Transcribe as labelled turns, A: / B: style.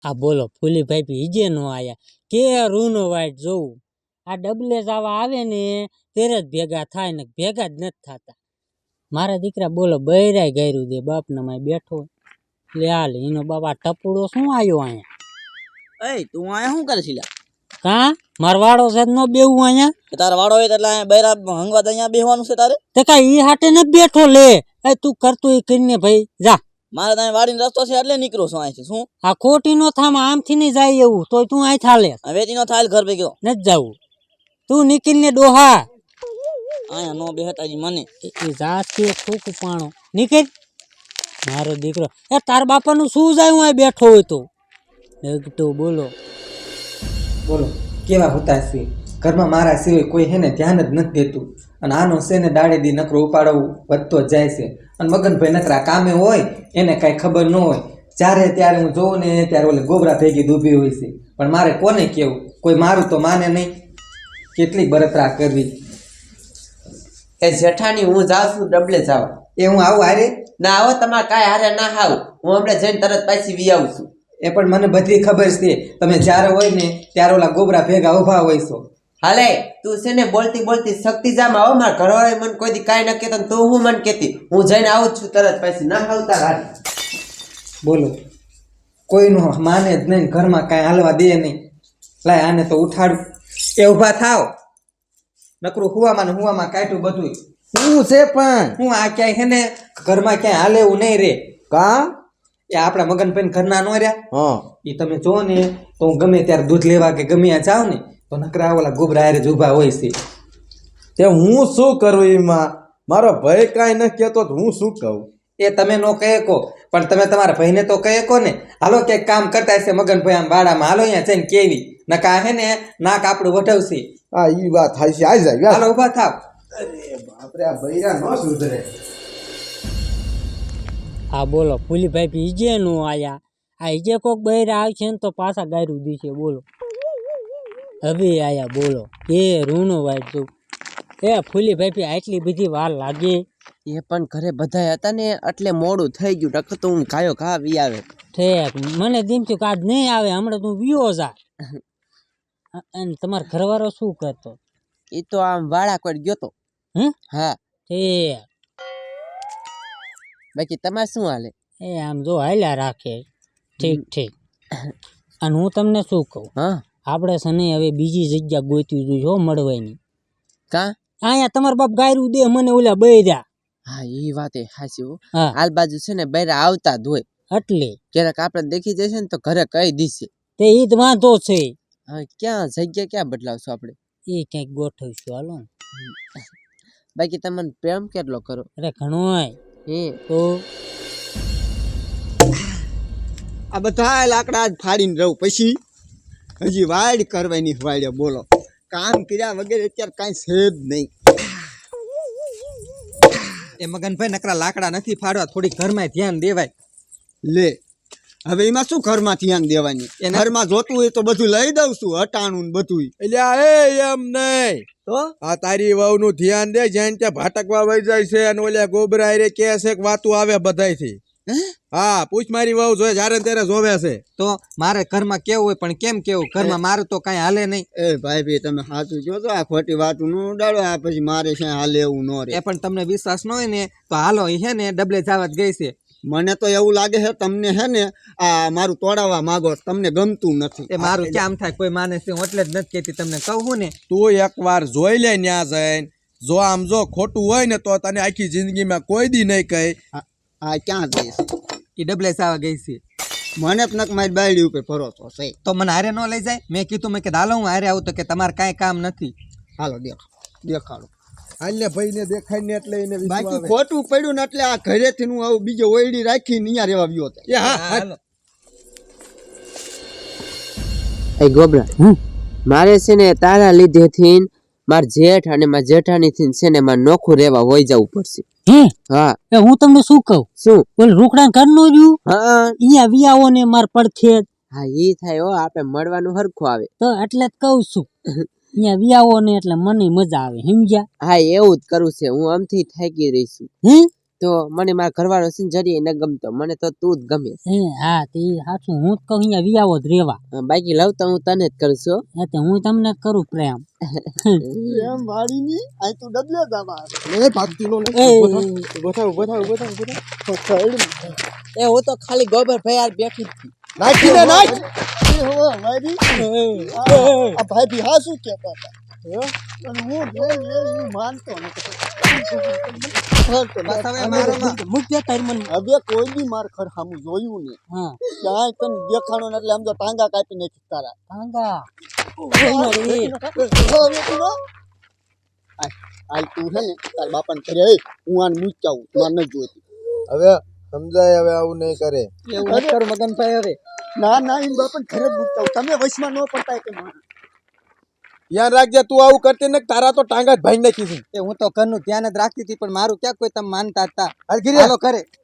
A: આ બોલો ફૂલીભાઈ બીજે નો આયા કે રૂનો વાઈટ જોવું આ ડબલે જવા આવે ને ત્યારે જ ભેગા થાય ને ભેગા જ નથી થતા મારા દીકરા બોલો બૈરાય ગાયરું દે બાપના માં બેઠો લે હાલ એનો બાપા ટપુડો શું આવ્યો અહીંયા
B: એ તું આયા શું કરે છે
A: કા મારવાડો છે નો બેવું અહીંયા
B: તારા વાડો હોય એટલે બૈરા હંગવા અહીંયા બેહવાનું છે તારે
A: તે કા ઈ હાટે ન બેઠો લે એ તું કરતો એ કરીને ભાઈ જા
B: મારે ત્યાં વાડીનો રસ્તો છે એટલે નીકળો છો અહીંથી શું
A: આ ખોટી નો થામ આમથી નહીં જાય એવું તોય તું અહીં થાલે
B: વેચી નો થાય ઘર ભેગો
A: નથી જવું તું નીકળીને ડોહા
B: આયા નો બેહતાજી મને
A: એ જાતી ફૂક પાણો નીકળ મારો દીકરો એ તાર બાપાનું શું જાય હું અહીં બેઠો હોય તો ડગતો બોલો
C: બોલો કેવા હોતા છે ઘરમાં મારા સિવાય કોઈ હેને ધ્યાન જ નથી દેતું અને આનો છે ને દાડે દી નકરો ઉપાડવું વધતો જ જાય છે અને મગનભાઈ નકરા કામે હોય એને કાંઈ ખબર ન હોય જ્યારે ત્યારે હું જોઉં ને ત્યારે ઓલે ગોબરા ભેગી ડૂબી હોય છે પણ મારે કોને કેવું કોઈ મારું તો માને નહીં કેટલી બળતરા કરવી
D: એ જેઠાણી હું જાઉં છું ડબલે જાવ
C: એ હું આવું હારે
D: ના આવો તમારે કાંઈ હારે ના આવું હું હમણાં જઈને તરત પાછી વી આવું છું
C: એ પણ મને બધી ખબર છે તમે જ્યારે હોય ને ત્યારે ઓલા ગોબરા ભેગા ઊભા હોય છો
D: હાલે તું છે ને બોલતી બોલતી શક્તિ જામ આવો મારા ઘરવાળા મને કોઈ દી કાંઈ ન કહેતો ને તું હું મને કહેતી હું જઈને આવું જ છું તરત પાછી ના આવતા હારે
C: બોલો કોઈનું માને જ નહીં ઘરમાં કાંઈ હાલવા દે નહીં લાય આને તો ઉઠાડું એ ઊભા થાવ નકરું હુવામાં ને હુવામાં કાઢ્યું બધું
E: શું છે પણ
C: હું આ ક્યાંય હે ને ઘરમાં ક્યાંય હાલે એવું નહીં રે
E: કા
C: એ આપણા મગનભાઈ ઘરના નો રહ્યા
E: હા
C: એ તમે જો ને તો હું ગમે ત્યારે દૂધ લેવા કે ગમે ત્યાં જાવ ને તો નકરા ઓલા ગોબરા હારે જ ઊભા હોય છે
E: તે હું શું કરું એમાં મારો ભાઈ કાંઈ ન કહેતો તો હું શું કહું
C: એ તમે નો કહે કો પણ તમે તમારા ભાઈને તો કહે કો ને હાલો ક્યાંક કામ કરતા હશે મગનભાઈ આમ બાડામાં હાલો અહીંયા જઈને કેવી નકા હે ને નાક આપણું વઢવશે
E: હા ઈ વાત થાય છે આવી જાય
C: હાલો ઊભા થાવ
E: બાપરે આ બૈરા ન સુધરે
A: હા બોલો ફૂલીભાઈ બીજે નો આયા આ ઈજે કોક બૈરા આવશે ને તો પાછા ગાયરું દીશે બોલો હવે આયા બોલો કે રૂનો વાઈટ જોઉં એ ફૂલીભાઈ આટલી બધી વાર લાગે
D: એ પણ ઘરે બધા હતા ને એટલે મોડું થઈ ગયું નકર તો હું ગાયો ઘા વી આવે
A: ઠેક મને દીમ થયું કે આજ નહીં આવે હમણાં તું વિયો જા અને તમારો ઘરવાળો શું કરતો
D: એ તો આમ વાળા કોઈ ગયો તો હા
A: ઠેક
D: બાકી તમારે શું હાલે
A: એ આમ જો હાલ્યા રાખે ઠીક ઠીક અને હું તમને શું કહું
D: હા
A: આપણે સને હવે બીજી જગ્યા ગોતવી જોઈએ હો મળવાની
D: કા
A: અહીંયા તમારા બાપ ગાયરું દે મને ઓલા બૈરા
D: હા એ વાત એ હાચી હો
A: હા
D: હાલ બાજુ છે ને બૈરા આવતા જ હોય
A: એટલે
D: ક્યારેક આપણે દેખી જશે ને તો ઘરે કહી દીશે
A: તે ઈ જ વાંધો છે
D: હા ક્યાં જગ્યા ક્યાં બદલાવશું આપણે
A: એ ક્યાંક ગોઠવીશું હાલો ને
D: બાકી તમને પ્રેમ કેટલો કરો
A: અરે ઘણોય
D: હે
A: તો
E: આ બધા લાકડા જ ફાડીને રહું પછી હજી વાડ કરવાની વાડે બોલો કામ કર્યા વગેરે અત્યારે કાંઈ છે જ નહીં
C: એ મગનભાઈ નકરા લાકડા નથી ફાડવા થોડી ઘરમાં ધ્યાન દેવાય
E: લે હવે એમાં શું ઘરમાં ધ્યાન દેવાની ઘરમાં જોતું હોય તો બધું લઈ દઉં છું હટાણું ને બધું એટલે એમ નહીં
C: તો
E: આ તારી વહુનું ધ્યાન દે જ્યાં ત્યાં ભાટકવા વહી જાય છે અને ઓલ્યા ગોબરા રે કે છે કે વાતું આવે બધાયથી હા પૂછ મારી વહુ જોઈ જ્યારે ત્યારે જોવે છે
C: તો મારે ઘરમાં કેવું હોય પણ કેમ કેવું ઘરમાં મારું તો કાંઈ હાલે નહીં
E: એ ભાઈ તમે સાચું કહો છો આ ખોટી વાતું નું ઉડાડો આ પછી મારે છે હાલે એવું ન રે
C: એ પણ તમને વિશ્વાસ ન હોય ને તો હાલો એ હે ને ડબલે જવા જ ગઈ છે
E: મને તો એવું લાગે છે તમને હે ને આ મારું તોડાવવા માંગો તમને ગમતું નથી
C: એ મારું કેમ થાય કોઈ માને છે હું એટલે જ નથી કહેતી તમને કહું ને
E: તું એકવાર જોઈ લે ન્યા જઈને જો આમ જો ખોટું હોય ને તો તને આખી જિંદગીમાં કોઈ દી નહીં કહે આ ક્યાં જઈશ
C: એ ડબલે જવા ગઈ છે
E: મને જ નક મારી બાયડી ઉપર ભરોસો છે
C: તો મને હારે ન લઈ જાય મેં કીધું મેં કે હાલો હું હારે આવું તો કે તમારે કાંઈ કામ નથી
E: હાલો દેખાડો હાલે ભાઈ ને દેખાય ને એટલે એને બાકી ખોટું પડ્યું ને એટલે આ ઘરેથી હું આવું બીજો ઓયડી રાખીને અહીંયા રહેવા ગયો હતો
D: એ ગોબરા મારે છે ને તારા લીધેથી માર જેઠ અને માર જેઠાણી થી છે ને માર નોખું રહેવા વહી જવું પડશે હા
A: એ હું તમને શું કહું
D: શું
A: ઓલ રોકડા ઘરનો રહ્યું
D: હા
A: અહીંયા વિયાવો ને માર પડખે
D: હા ઈ થાય હો આપણે મળવાનું હરખું આવે
A: તો એટલે જ કહું છું અહીંયા વિયાવો ને એટલે મને મજા આવે સમજ્યા
D: હા એવું જ કરું છે હું આમથી થાકી રહી છું તો મને મારા ઘરવાળો છે ને જરીએ ન ગમતો, મને તો તું જ ગમે.
A: હા તે સાચું, હું જ કહું અહીંયા વિયાવો જ રેવા.
D: બાકી લવ તો હું તને જ કરું છું.
A: એટલે હું તમને જ કરું પ્રેમ.
F: એમ વાડીની આ તું ડબલે જવા
D: એ હું તો ખાલી ગોબર ભાઈ યાર બેઠી જ હતી.
F: નાખીને નાખ વાડી આ ભાઈ બી હા શું કહેતા હતા અને હું જોઈને માનતો નથી. હવે કોઈ બી માર ખર સામું જોયું ને
A: હા
F: ક્યાંય તને દેખાણો ને એટલે આમ તો ટાંગા કાપી નાખી તારા.
A: કાંગા
F: આજ તું છે ને તાર બાપાને કરે હું આને મૂચાવું માર નથી જોઈતી.
E: હવે સમજાય, હવે આવું નહીં કરે.
C: એવું કર મગનભાઈ હવે.
F: ના ના એમ બાપાને ઘરે જ મૂચાવું, તમે વશમાં ન પડતા કે
E: ધ્યાન રાખજે, તું આવું કરતી ને તારા તો ટાંગા જ ભાઈ નાખી છે.
C: હું તો ઘરનું ધ્યાન જ રાખતી હતી, પણ મારું ક્યાં કોઈ તમે માનતા હતા.
E: હાલ ઘરે.
C: હાલો કરે.